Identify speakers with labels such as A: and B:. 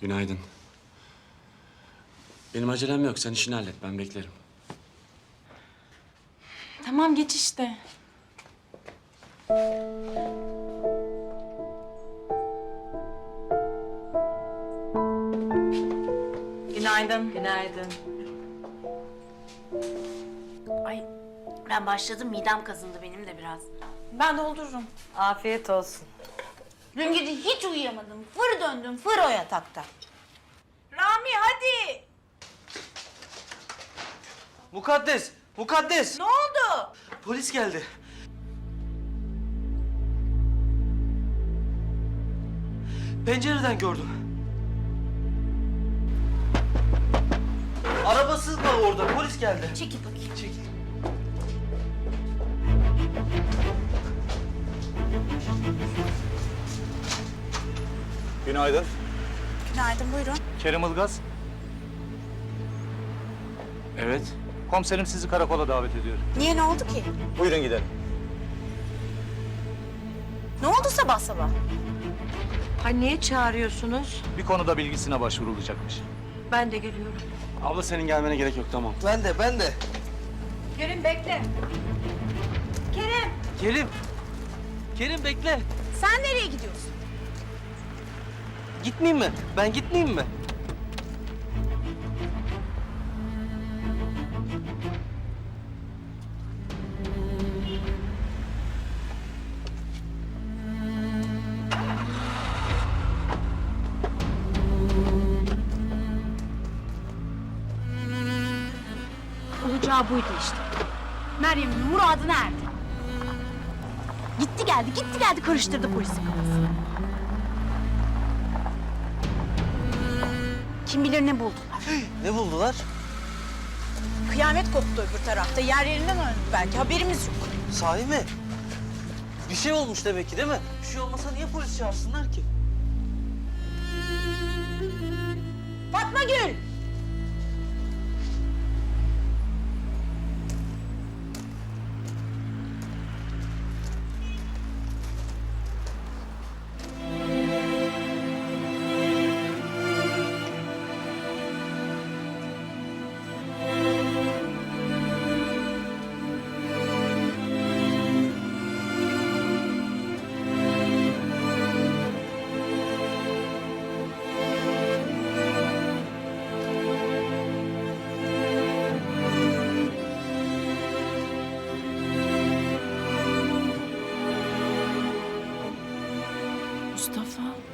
A: Günaydın. Benim acelem yok. Sen işini hallet. Ben beklerim.
B: Tamam geç işte. Günaydın.
C: Günaydın.
D: Ay ben başladım, midem kazındı benim de biraz.
B: Ben doldururum.
C: Afiyet olsun.
D: Dün gece hiç uyuyamadım. Fır döndüm, fır o yatakta.
B: Rami hadi.
E: Mukaddes! Mukaddes!
B: Ne oldu?
E: Polis geldi. Pencereden gördüm. Arabası da orada. Polis geldi.
D: Çekil bakayım.
E: Çekil.
F: Günaydın.
D: Günaydın, buyurun.
F: Kerim Ilgaz.
A: Evet.
F: Komiserim sizi karakola davet ediyor.
D: Niye, ne oldu ki?
F: Buyurun gidelim.
D: Ne oldu sabah sabah?
C: Ha niye çağırıyorsunuz?
F: Bir konuda bilgisine başvurulacakmış.
C: Ben de geliyorum.
A: Abla senin gelmene gerek yok. Tamam.
E: Ben de.
B: Kerim bekle. Kerim.
E: Kerim! Kerim bekle.
D: Sen nereye gidiyorsun?
E: Gitmeyeyim mi? Ben gitmeyeyim mi?
D: Olacağı buydu işte. Meryem'in muradı nerede? Gitti geldi karıştırdı polisin kafasını. Kim bilir ne buldular.
E: Ne buldular?
D: Kıyamet koptu öbür tarafta. Yer yerinden oynadı belki. Haberimiz yok.
E: Sahi mi? Bir şey olmuş demek ki değil mi? Bir şey olmasa niye polis çağırsınlar ki?
D: Fatma Gül!
B: Mustafa.